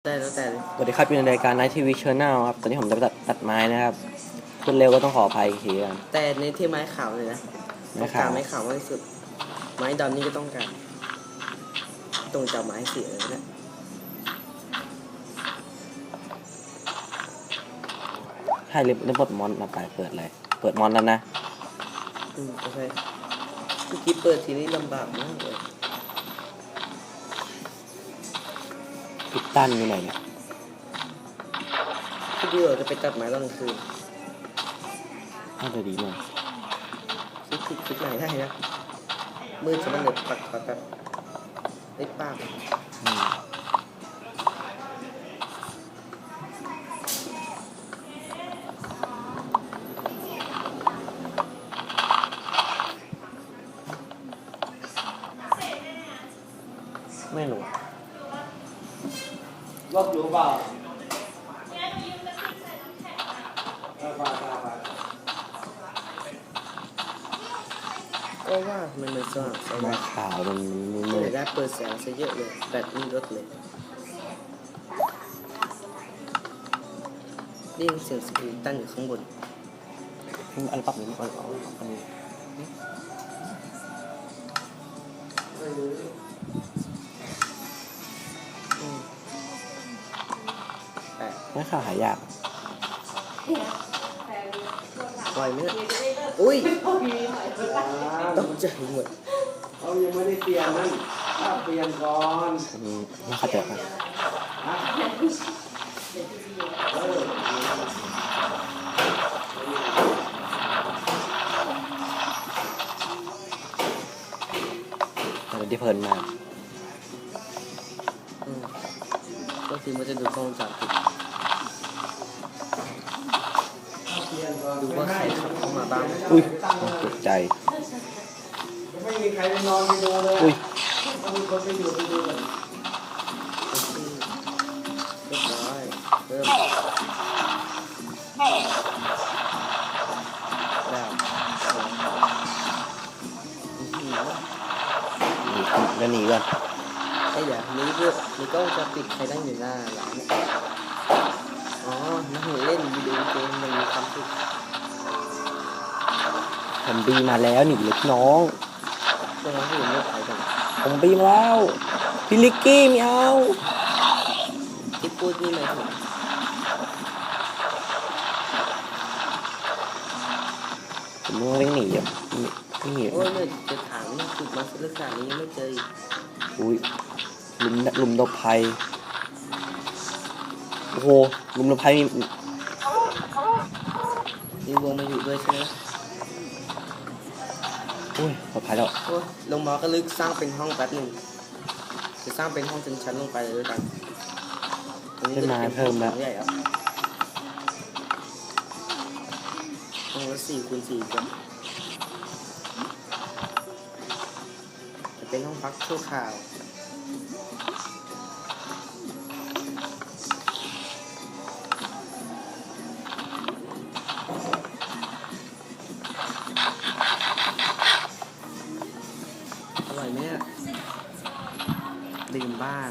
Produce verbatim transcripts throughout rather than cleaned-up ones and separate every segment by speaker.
Speaker 1: ได้แล้วแต่
Speaker 2: สวัสดีครับอยู่ในรายการ Night ที วี Channel ครับตอนนี้ผมจะไปตัดตัดไม้นะครับพูดเร็วก็ต้องขออภัยอีกทีครับ
Speaker 1: แต่ในที่ไม้ขาวเลยนะต้องการไม้ขาวมากที่สุดไม้ดำนี่ก็ต้องการตรงจากไม้เสียเลยนะ
Speaker 2: ให้เล่นเล่นบทมอนมาไปเปิดเลยเปิดมอนแล้วนะ
Speaker 1: อืมโอเคเมื่อกี้เปิดทีนี้ลำบากมากเลย
Speaker 2: พิตตันอยู่ไหนเนี่ย
Speaker 1: ที่ดีเราจะไปตัดไม้ตอนกลางคืน
Speaker 2: น่าจะดีมาก
Speaker 1: คิดคิดคิดไหนได้นะมืดจะมันเลยปัดปัดแบบไอ้ปาก
Speaker 2: ไม่รู้รอบรู้เปล่า
Speaker 1: ก็ว่ามันเลยสว่างส
Speaker 2: ไม้
Speaker 1: ว่าง
Speaker 2: ขาวมันมัน
Speaker 1: เล
Speaker 2: มื
Speaker 1: ย
Speaker 2: ด
Speaker 1: ได้เปิดแสงซะเยอะเลยแบตนี่ลดเลยได้ยินเสียงสปีดตั้งอยู่ข้างบน
Speaker 2: อันปรับนี้อันอันนี้ไม้ขาวหายาก
Speaker 1: ปล่อยไหมเนี่ยอุ้ยตกใจหมด
Speaker 3: เขายังไม่ได้เปลี่ยนนั่นถ้าเปลี่ยนก่อน
Speaker 2: อืมไม่เข้าใจครับมันที่เพลินมาก
Speaker 1: อืมก็คือมันจะดูกล้องวงจรปิดดูว่าใครขับเข้ามาบ้าง
Speaker 2: อุ้ยตกใจ
Speaker 3: ยังไม่มีใครไปนอนไปดูเลย
Speaker 2: อุ้ย
Speaker 3: ต้องมีคนไปอยู่ไปดูกัน
Speaker 1: เรียบร้อยเริ่มแล้วอืม
Speaker 2: แล้วหนีก่อน
Speaker 1: ไอ้เดี๋ยวนี้คือมีกล้องวงจรปิดใครนั่งอยู่หน้าร้านเนี่ยอ๋อนั่งเล่นวิดีโอเกมมันมีความสุข
Speaker 2: ผมบีมาแล้วหนีเล็กน้อง
Speaker 1: เรื่องนั้นที่ไม่ไปกัน
Speaker 2: ผมบีมาแล้วพี่ลิกกี้ไม่เอา
Speaker 1: ที่พูดนี่หมายถึง
Speaker 2: ผมต้องเร่งหนีอ่ะนี่
Speaker 1: โอ้ยเนี่ยจะถามนี่จุดมาเรื่องการนี้ยังไม่เจออีก
Speaker 2: อุ้ยลุมลุมดบภัยโอ้โหลุมดบภัยมี
Speaker 1: มีวงมาอยู่ด้วยใช่ไหม
Speaker 2: อุ้ยปลอดภัยแล้ว
Speaker 1: โอ้ยลงมาก็ลึกสร้างเป็นห้องแป๊บหนึ่งจะสร้างเป็นห้องชั้นๆลงไปเลยด้วยกันตรงนี้
Speaker 2: ขึ้นมาเพิ่มแล้ว
Speaker 1: ใหญ่ครับห้องละสี่คูณสี่กันจะเป็นห้องพักชั่วคราวอร่อยไหมเนี่ยดื่มบ้าง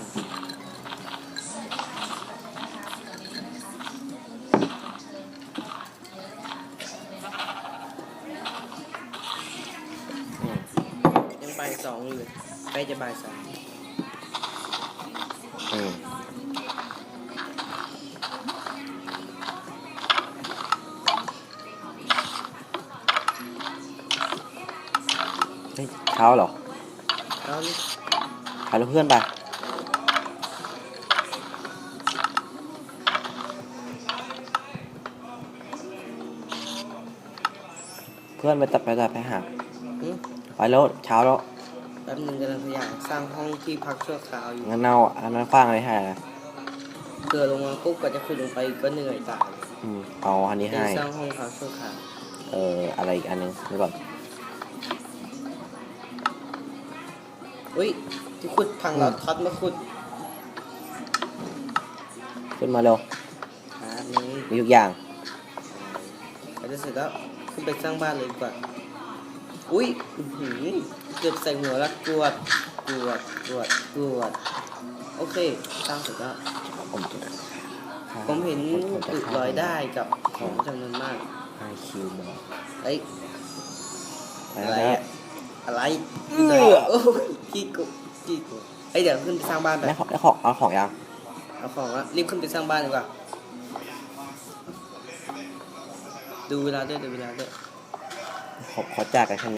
Speaker 1: ยังบ่ายสองอยู่เลยใกล้จะบ่ายสาม
Speaker 2: อืมเฮ้ยเช้าเหรอ
Speaker 1: แล้วนี่
Speaker 2: พาเพื่อนไปเพื่อนไปตัดไปตัดไปหา
Speaker 1: หึ
Speaker 2: ไปแล้วเช้าแล้ว
Speaker 1: แป๊บนึงกำลังพยายามสร้างห้องที่พักชั่วคราวอยู่
Speaker 2: งั้นเน่าอันนั้นคว้างอะไรให้นะ
Speaker 1: เกิดลงมาปุ๊บก็จะขึ้นลงไปก็เหนื่อยตาย
Speaker 2: อืมเอาอันนี้
Speaker 1: ที่
Speaker 2: ให้
Speaker 1: สร้างห้องพักชั่วคราว
Speaker 2: เอออะไรอีกอันนึงนี่ก่อน
Speaker 1: อุ้ยที่ขุดพังเราท็อตมาขุด
Speaker 2: ขึ้นมาเร็ว
Speaker 1: ครับนี่
Speaker 2: มีทุกอย่าง
Speaker 1: ก็จะเสร็จแล้วขึ้นไปสร้างบ้านเลยดีกว่า อุ้ยอื้อหือเกือบใส่หัวแล้วกรวดกรวดกรวดกรวดโอเคสร้างเสร็จแล้ว
Speaker 2: ผมจะ
Speaker 1: ผมเห็น
Speaker 2: ผมจะ
Speaker 1: อึ
Speaker 2: ฆ่า
Speaker 1: ลอยได้กับของจำนวนมาก
Speaker 2: ไอคิวบอล
Speaker 1: เอ้ย
Speaker 2: ไป
Speaker 1: อะไร
Speaker 2: แล้วครั
Speaker 1: อะ
Speaker 2: บ
Speaker 1: อะไร
Speaker 2: เอื้อ
Speaker 1: โอ้ยกี่กุกี่กุเอ้ยเดี๋ยวขึ้นไปสร้างบ้านไป
Speaker 2: ได้ของได้ของเอาของยัง
Speaker 1: เอาของละรีบขึ้นไปสร้างบ้านดีกว่าดูเวลาด้วยดูเวลาด้วย
Speaker 2: ขอขอจากกันแค่นี้